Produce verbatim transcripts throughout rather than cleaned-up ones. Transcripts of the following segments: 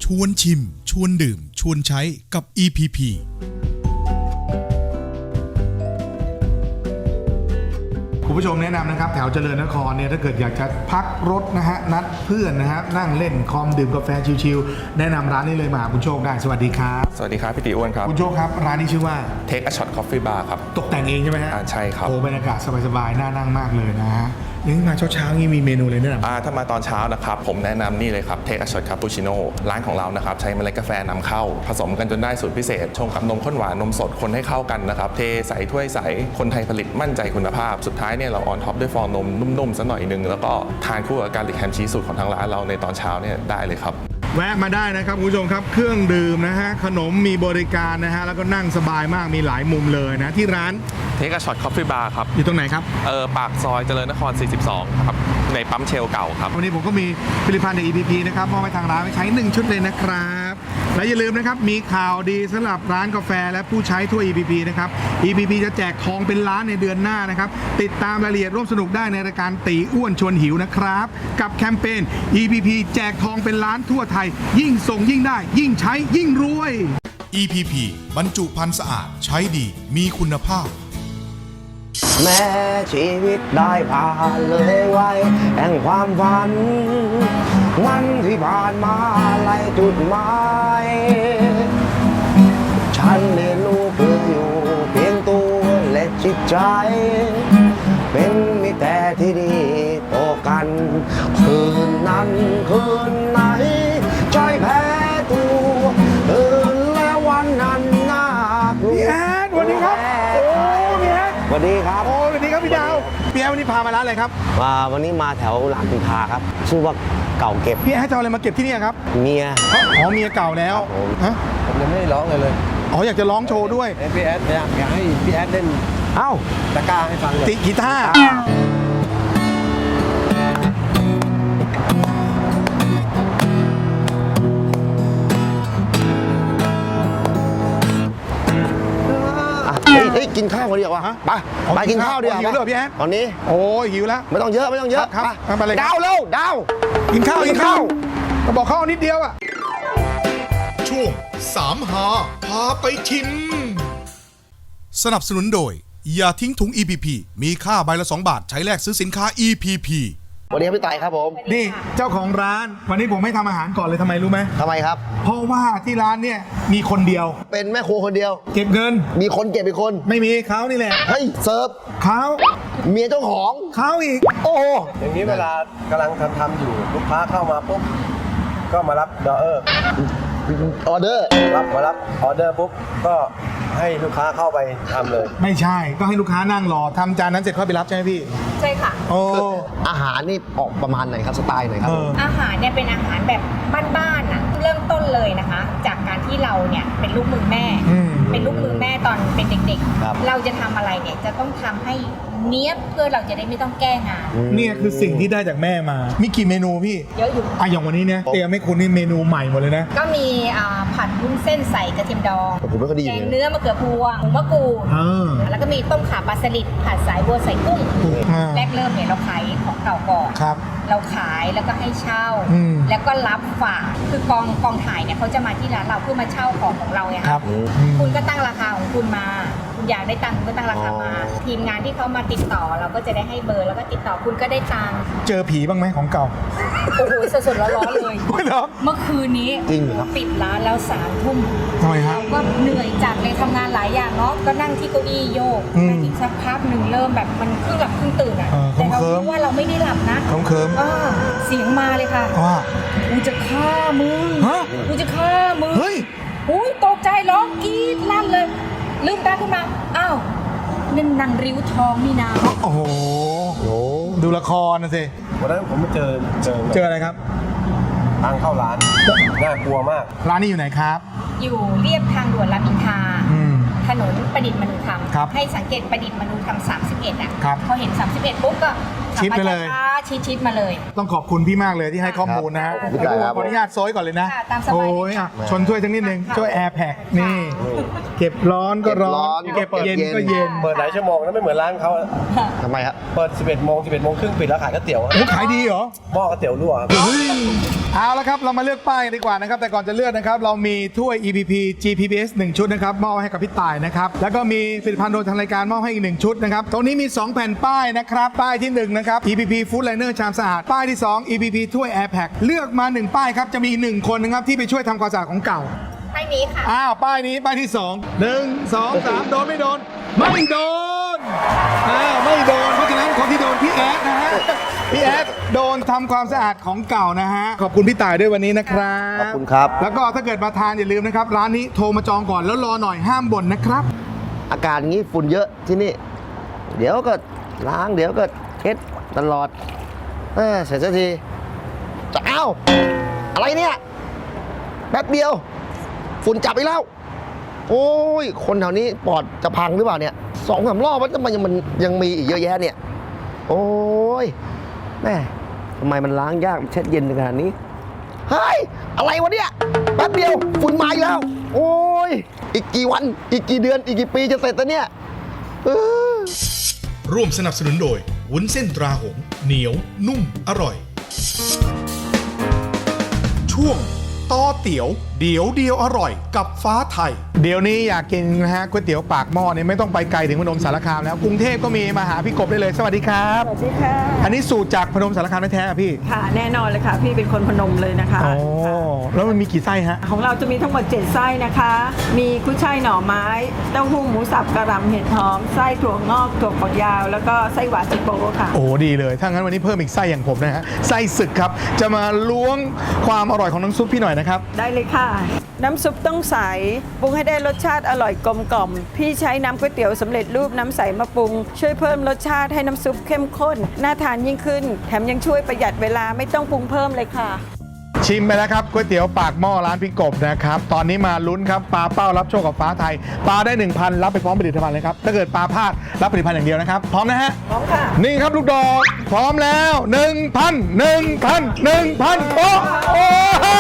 วนชิมชวนดื่มชวนใช้กับ อี พี พีคุณผู้ชมแนะนำนะครับแถวเจริญนครเนี่ยถ้าเกิดอยากจะพักรถนะฮะนัดเพื่อนนะฮะนั่งเล่นคอมดื่มกาแฟชิลๆแนะนำร้านนี้เลยมาคุณโชคได้สวัสดีครับสวัสดีครับพี่ติอ้วนครับคุณโชคครับร้านนี้ชื่อว่า Take a Shot Coffee Bar ครับตกแต่งเองใช่ไหมฮะอ่าใช่ครับโอ้บรรยากาศสบายๆน่านั่งมากเลยนะฮะยังมาเช้าๆนี่มีเมนูเลยแนะนำอ่าถ้ามาตอนเช้านะครับผมแนะนำนี่เลยครับ Take a Shot Cappuccino ร้านของเรานะครับใช้เมล็ดกาแฟนำเข้า ผสมกันจนได้สูตรพิเศษ ชงกับนมข้นหวานนมสดคนให้เข้ากันนะครับเทใส่ถ้วยใสคนไทยผลิตมั่นใจคุณภาพสุดท้ายเนี่ยเราออนท็อปด้วยฟองนมนุ่มๆสักหน่อยนึงแล้วก็ทานคู่กับการลิกแฮมชีสสูตรของทางร้านเราในตอนเช้าเนี่ยได้เลยครับแวะมาได้นะครับคุณผู้ชมครับเครื่องดื่มนะฮะขนมมีบริการนะฮะแล้วก็นั่งสบายมากมีหลายมุมเลยนะที่ร้าน Take a Shot Coffee Bar ครับอยู่ตรงไหนครับเออปากซอยเจริญนคร สี่สิบสอง ครับในปั๊มเชลเก่าครับวันนี้ผมก็มีผลิตภัณฑ์จาก อี พี พี นะครับมอบให้ทางร้านไปใช้หนึ่งชุดเลยนะครับและอย่าลืมนะครับมีข่าวดีสำหรับร้านกาแฟและผู้ใช้ทั่ว อี พี พี นะครับ อี พี พี จะแจกทองเป็นล้านในเดือนหน้านะครับติดตามรายละเอียดร่วมสนุกได้ในรายการตีอ้วนชวนหิวนะครับกับแคมเปญ อี พี พี แจกทองเป็นล้านทั่วไทยยิ่งส่งยิ่งได้ยิ่งใช้ยิ่งรวยอี พี พี บรรจุภัณฑ์สะอาดใช้ดีมีคุณภาพแม้ชีวิตได้ผ่านเลยไว้แห่งความฝันวันที่ผ่านมาไล่จุดหมายฉันเรียนรู้เพื่ออยู่เพียงตัวและจิตใจเป็นมิตรแต่ที่ดีต่อกันคืนนั้นคืนไหนใจแพ้ตัวคืนและวันนั้นน่ากลัวพี่แอดสวัสดีครับโอ้พี่แอดสวัสดีครับโอ้สวัสดีครับพี่ดาวพี่แอดวันนี้พามาร้านอะไรครับมาวันนี้มาแถวหลังพิพาครับชื่อว่าเก่าเก็บพี่แอดจะเอาอะไรมาเก็บที่นี่ครับเมียอ๋อเมียเก่าแล้วฮะผมยังไม่ได้ร้องเลยเลยอ๋ออยากจะร้องโชว์ด้วยให้พี่แอดอยากอยากให้พี่แอดเล่นเอ้าตะกร้าให้ฟังเลยติกีตาร์เฮ้ยเฮ้ยกินข้าวกันดีกว่าไปไปกินข้าวดีกว่าหิวเลยเหรอพี่แอดตอนนี้โอ้ยหิวแล้วไม่ต้องเยอะไม่ต้องเยอะครับครับไปเลยครับดาวเร็วดาวกินข้าวกิกินนข้าข้าว วก็บอกข้าวนิดเดียวอ่ะช่วงสามหาพาไปชิม สนับสนุนโดยอย่าทิ้งถุง อี พี พี มีค่าใบละสองบาทใช้แลกซื้อสินค้า อี พี พีสวัสดีครับพี่ไต่ครับผมนี่เจ้าของร้านวันนี้ผมไม่ทำอาหารก่อนเลยทำไมรู้ไหมทำไมครับเพราะว่าที่ร้านเนี่ยมีคนเดียวเป็นแม่ครัวคนเดียวเก็บเงินมีคนเก็บอีกคนไม่มีเขานี่แหละเฮ้ยเสิร์ฟเขาเมียเจ้าของเขาอีกโอ้โหอย่างนี้เวลากำลังทำทำอยู่ลูกค้าเข้ามาปุ๊บก็มารับดอเออร์ออเดอร์รับมารับออเดอร์ปุ๊บก็ให้ลูกค้าเข้าไปทำเลยไม่ใช่ก็ให้ลูกค้านั่งรอทำจานนั้นเสร็จค่อยไปรับใช่ไหมพี่ใช่ค่ะโอ้อาหารนี่ออกประมาณไหนครับสไตล์ไหนครับเอออาหารเนี่ยเป็นอาหารแบบบ้านๆอ่ะเริ่มต้นเลยนะคะ จากการที่เราเนี่ยเป็นลูกมือแม่อืมเป็นลูกมือแม่ตอนเป็นเด็กครับๆ เราจะทำอะไรเนี่ยจะต้องทำให้เนี้ยบเพื่อเราจะได้ไม่ต้องแก้งานเนี่ยคือสิ่งที่ได้จากแม่มา มีกี่เมนูพี่เยอะอยู่อ่ะอย่างวันนี้เนี่ยเตรียมให้คุณนี่เมนูใหม่หมดเลยนะก็มีอ่าผัดวุ้นเส้นใส่กระเทียมดองผมไม่ค่อยดีแกเลงยเนื้อมะเขือพวงหมูมะกรูดเออแล้วก็มีต้มข่าปลาสลิดผัดสายบัวใส่กุ้งอ่าแรกเริ่มเนี่ยเราขายของเก่าก่อนครับเราขายแล้วก็ให้เช่าอืมแล้วก็รับฝากคือกองกองถ่ายเนี่ยเขาจะมาที่ร้านเราเพื่อมาเช่าของของเราไงครับะคุณก็ตั้งราคาของคุณมา คุณอยากได้ตังค์คุณก็ตั้งราคามา ทีมงานที่เขามาติดต่อเราก็จะได้ให้เบอร์แล้วก็ติดต่อคุณก็ได้ตังค์เจอผีบ้างไหมของเก่าโอ้โหสดๆร้อนๆเลยไม่หรอกเมื่อคืนนี้จริงเหรอครับปิดร้านแล้วสามทุ่มทำไมฮะเราก็เหนื่อยจัดเลยทำงานหลายอย่างเนาะก็นั่งที่เก้าอี้โยกอืมนั่งอีกสักพักหนึ่งเริ่มแบบมันครึ่งหลับครึ่งตื่นอ่ะเออแต่เราเคลิ้มคิดว่าเราไม่ได้หลับนะเคลิ้มเคลิ้มอ่าเสียงมาเลยค่ะว่ากูจะฆ่ามึงฮะกูจะฆ่ามึงเฮ้ยอุ้ยตกใจร้องกรี๊ดลั่นเลย ลืมตาขึ้นมา อ้าวนั่นนางริ้วทองนี่นาโอ้โหโอ้ดูละครนะสิวันนั้นผมไปเจอเจอเจออะไรครับทางเข้าร้านน่ากลัวมากร้านนี้อยู่ไหนครับอยู่เรียบทางด่วนรามอินทราอืมถนนประดิษฐ์มนุธรรมครับให้สังเกตประดิษฐ์มนุธรรมสามสิบเอ็ดอ่ะครับพอเห็นสามสิบเอ็ดปุ๊บก็ขับชิดไปมาเลยช้าๆชิดๆมาเลยต้องขอบคุณพี่มากเลยที่ให้ข้อมูลนะฮะครับได้ครับขออนุญาตโซยก่อนเลยนะค่ะตามสบายโอ้ยอ่ะชนถ้วยทั้งนิดนึงช่วยแอร์แพ็คนี่ เก็บร้อนก็ร้อน เก็บเย็นก็เย็นเปิดหลายชั่วโมงแล้วไม่เหมือนร้านเขาทำไมครับเปิด สิบเอ็ดโมง สิบเอ็ดโมงครึ่งปิดแล้วขายก๋วยเตี๋ยวโอ้ขายดีเหรอหม้อก๋วยเตี๋ยวรั่วครับเฮ้ยเอาละครับเรามาเลือกป้ายกันดีกว่านะครับแต่ก่อนจะเลือกนะครับเรามีถ้วย อี พี พี จี พี พี เอส หนึ่งชุดนะครับมอบให้กับพี่ต่ายนะครับแล้วก็มีผลิตภัณฑ์โดยทางรายการมอบให้อีกหนึ่งชุดนะครับตรงนี้มีสองแผ่นป้ายนะครับป้ายที่หนึ่งนะครับ อี พี พี Food Liner ชามสะอาดป้ายที่สอง อี พี พี ถ้วย Air Pack เลือกมาหนึ่งป้ายครับจะมีหนึ่งคนนะครับที่ไปช่วยทำความสะอาดของเก่าป้ายนี้ค่ะอ้าวป้ายนี้ป้ายที่สองหนึ่งสองสามโดนไม่โดนไม่โดนอ้าวไม่โดนเพราะฉะนั้นคนที่โดนพี่แอดนะฮะพี่แอดโดนทำความสะอาดของเก่านะฮะขอบคุณพี่ต่ายด้วยวันนี้นะครับขอบคุณครับแล้วก็ถ้าเกิดมาทานอย่าลืมนะครับร้านนี้โทรมาจองก่อนแล้วรอหน่อยห้ามบ่นนะครับอากาศอย่างนี้ฝุ่นเยอะที่นี่ เดี๋ยวก็ล้างเดี๋ยวก็เช็ดตลอดเออเสร็จสักทีจะเอ้าอะไรเนี่ยแป๊บเดียว ฝุ่นจับอีกแล้ว โอ้ยคนแถวนี้ปอดจะพังหรือเปล่าเนี่ยสองสามรอบว่าทำไมมันยังมีอีกเยอะแยะเนี่ย โอ้ยแม่ทำไมมันล้างยากเช็ดเย็นขนาดนี้เฮ้ยอะไรวะเนี่ยแป๊บเดียวฝุ่นมาอีกแล้ว โอ้ยอีกกี่วันอีกกี่เดือนอีกกี่ปีจะเสร็จแล้วเนี่ยเออร่วมสนับสนุนโดยวุ้นเส้นตราหงส์เหนียวนุ่มอร่อย ช่วงต่อเตี๋ยวเดี๋ยวเดียวอร่อยกับฟ้าไทยเดี๋ยวนี้อยากกินนะฮะก๋วยเตี๋ยวปากหม้อเนี่ยไม่ต้องไปไกลถึงพนมสารคามแล้วกรุงเทพก็มีมาหาพี่กบได้เลยสวัสดีครับสวัสดีค่ะอันนี้สูตรจากพนมสารคามแท้ๆอะพี่ค่ะแน่นอนเลยค่ะ พี่เป็นคนพนมเลยนะคะอ๋อแล้วมันมีกี่ไส้ฮะของเราจะมีทั้งหมดเจ็ดไส้นะคะ มีกุ้ยช่ายหน่อไม้เต้าหู้หมูสับกระหล่ำเห็ดหอมไส้ถั่วงอกถั่วฝักยาว แล้วก็ไส้หวานจิโก้ค่ะโอ้ดีเลยถ้างั้นวันนี้เพิ่มอีกไส้อย่างผมนะฮะไส้ศึกครับจะมาล้วงความอร่อยของน้ำซุปพี่หน่อยนะครับได้เลยค่ะ น้ำซุปต้องใสปรุงให้ได้รสชาติอร่อยกลมกล่อมพี่ใช้น้ำก๋วยเตี๋ยวสำเร็จรูปน้ำใสมาปรุง ช่วยเพิ่มรสชาติให้น้ำซุปเข้มข้นน่าทานยิ่งขึ้น แถมยังช่วยประหยัดเวลาไม่ต้องปรุงเพิ่มเลยค่ะชิมไปแล้วครับก๋วยเตี๋ยวปากหม้อร้านพี่กบนะครับตอนนี้มาลุ้นครับปลาเป้ารับโชคกับฟ้าไทยปลาได้ หนึ่งพัน รับไปพร้อมผลิตภัณฑ์เลยครับถ้าเกิดปลาพลาดรับผลิตภัณฑ์อย่างเดียวนะครับพร้อมนะฮะพร้อมค่ะนี่ครับลูกดอกพร้อมแล้ว หนึ่งพัน หนึ่งพัน หนึ่งพันโอ้โอ้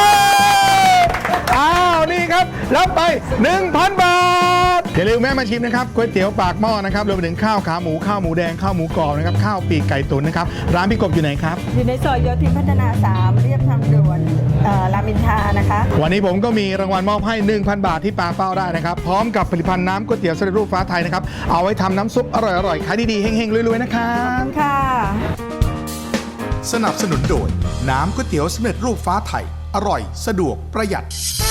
อ้าวนี่ครับรับไป หนึ่งพัน บาทอย่าลืมแม่มาชิมนะครับก๋วยเตี๋ยวปากหม้อนะครับรวมไปถึงข้าวขาหมูข้าวหมูแดงข้าวหมูกรอบนะครับข้าวปีกไก่ตุ๋นนะครับร้านพี่กบอยู่ไหนครับอยู่ในซอยโยธินพัฒนาสามเรียบทางด่วนเอ่อรามอินทรานะคะวันนี้ผมก็มีรางวัลมอบให้ หนึ่งพัน บาทที่ปาเป้าได้นะครับ พร้อมกับผลิตภัณฑ์น้ำก๋วยเตี๋ยวสำเร็จรูปฟ้าไทยนะครับ เอาไว้ทำน้ำซุปอร่อยๆ ขายดีๆ เฮงๆ รวยๆ นะครับค่ะสนับสนุนโดยน้ำก๋วยเตี๋ยวสำเร็จรูปฟ้าไทย อร่อยสะดวกประหยัด